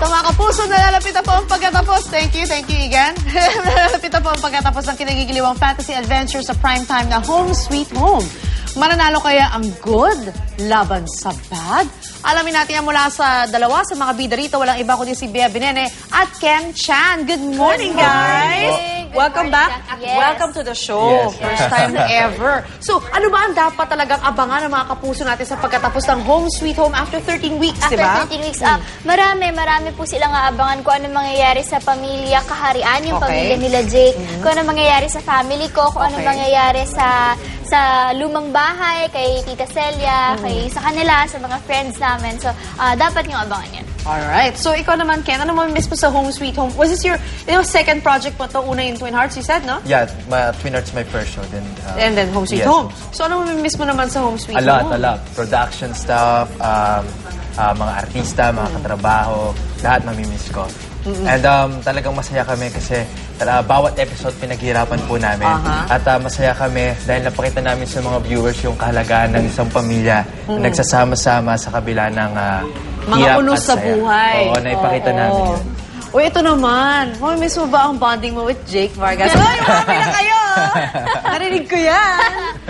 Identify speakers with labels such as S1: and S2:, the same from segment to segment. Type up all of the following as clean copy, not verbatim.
S1: Sa mga kapuso, nalalapit na po ang pagkatapos. Thank you, Igan. Nalalapit na po ang pagkatapos ng kinagigiliwang fantasy adventure sa primetime na Home Sweet Home. Mananalo kaya ang good laban sa bad? Alamin natin yan mula sa dalawa sa mga bida rito. Walang iba kundi si Bea Binene at Ken Chan. Good morning, guys! Welcome back.
S2: Yes.
S1: Welcome to the show.
S3: Yes.
S1: First time ever. So, ano ba ang dapat talagang abangan ng mga kapuso natin sa pagkatapos ng Home Sweet Home after 13 weeks,
S2: After
S1: di ba?
S2: 13 weeks, marami po silang aabangan kung ano mangyayari sa pamilya kaharian, yung
S1: Okay.
S2: pamilya nila Jake, kung ano mangyayari sa family ko, kung ano
S1: Okay.
S2: mangyayari sa lumang bahay, kay Tita Celia, sa kanila, sa mga friends namin. So, dapat yung abangan yan.
S1: Alright. So, ikaw naman, Ken, ano mo miss mo sa Home Sweet Home? Was this your second project mo to? Una yung Twin Hearts, you said, no?
S3: Yeah, Twin Hearts my first show.
S1: And then Home Sweet
S3: yes.
S1: Home. So, ano mo miss mo naman sa Home Sweet
S3: A lot,
S1: Home?
S3: a lot. Production stuff, mga artista, mga katrabaho, lahat mamimiss ko. And talagang masaya kami kasi bawat episode pinaghirapan po namin. At masaya kami dahil napakita namin sa mga viewers yung kahalagaan ng isang pamilya na nagsasama-sama sa kabila ng
S1: Mga
S3: hirap
S1: unos
S3: at
S1: sa
S3: saya.
S1: buhay.
S3: Oo, naipakita namin yun.
S1: Uy, ito naman. Miss mo ba ang bonding mo with Jake Vargas? Uy, happy na kayo! Narinig ko yan.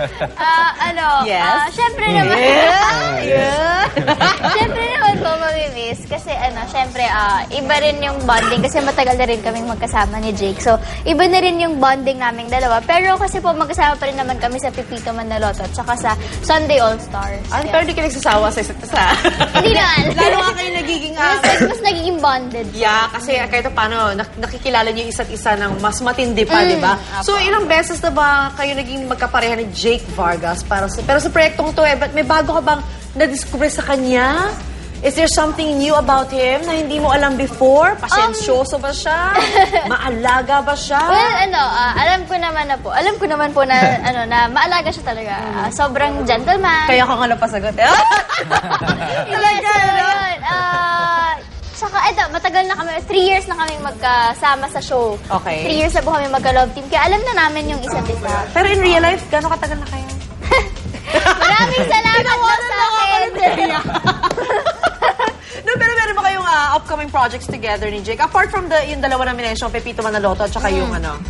S1: Yes.
S2: Syempre naman. Syempre naman po mamimiss. Kasi syempre, iba rin yung bonding. Kasi matagal na rin kaming magkasama ni Jake. So, iba na rin yung bonding naming dalawa. Pero kasi po, magkasama pa rin naman kami sa Pipito Manaloto at saka sa Sunday All-Stars.
S1: Pero di ka nagsasawa sa isa't isa.
S2: Hindi naman.
S1: Lalo nga kayo nagiging...
S2: mas nagiging bonded.
S1: Yeah, kasi kahit paano, nakikilala niyo isa't isa ng mas matindi pa, di ba? So, ilang beses na ba kayo naging magkapareha ni Jake Vargas? Pero sa proyektong to, may bago ka bang na-discover sa kanya? Is there something new about him na hindi mo alam before? Pasensyoso ba siya? Maalaga ba siya?
S2: Well, alam ko naman po na, na maalaga siya talaga. Sobrang gentleman.
S1: Kaya ka nga napasagot.
S2: Talaga, yun. Saka, matagal na kami, 3 years na kami magkasama sa show.
S1: Okay.
S2: 3 years na po kami magka-love team. Kaya alam na namin yung isa't isa.
S1: Pero in real life, gano'ng katagal na kayo?
S2: Maraming salamat daw sa akin.
S1: No, pero meron ba kayong upcoming projects together ni Jake? Apart from yung dalawa na minention, Pepito Manaloto, at saka yung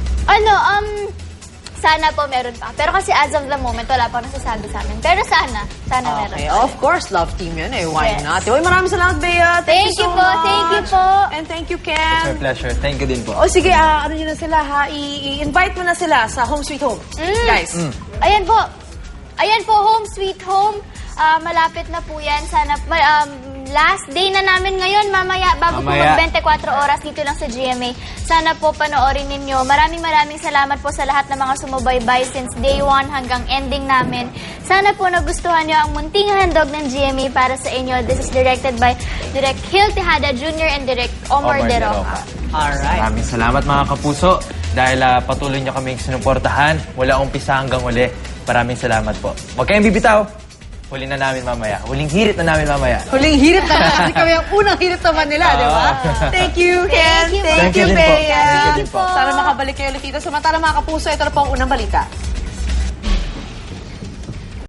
S2: Sana po meron pa. Pero kasi as of the moment, wala pa nasasabi sa amin. Pero sana meron
S1: Okay,
S2: pa.
S1: of course, love team yun eh. Why
S2: Yes.
S1: not? Uy, maraming salamat, Bea.
S2: Thank
S1: you
S2: you
S1: so
S2: po,
S1: much.
S2: thank you po.
S1: And thank you,
S3: It's my
S1: Ken.
S3: pleasure. Thank you din po.
S1: O sige, ano nyo na sila ha? I-invite mo na sila sa Home Sweet Home. Guys.
S2: Ayan po, Home Sweet Home. Malapit na po yan. Sana, last day na namin ngayon, mamaya, bago po mag-24 oras dito lang sa GMA. Sana po panoorin ninyo. Maraming salamat po sa lahat ng mga sumubaybay since day 1 hanggang ending namin. Sana po nagustuhan nyo ang munting handog ng GMA para sa inyo. This is directed by Direk Gil Tejada Jr. and Direk Omar De Roca.
S1: Alright.
S3: Maraming salamat mga kapuso dahil patuloy nyo kaming sinuportahan mula umpisa hanggang uli. Maraming salamat po. Huwag kayong bibitaw. Huli na namin mamaya. Huling hirit na namin mamaya.
S1: Huling hirit na kasi kami ang unang hirit naman nila, di ba? Thank you, Ken.
S2: Thank you,
S1: Thank you,
S3: Thank you din po.
S1: Bea.
S3: Thank you din po.
S1: Sana makabalik kayo ulit dito. Samantala mga kapuso, ito na po ang unang balita.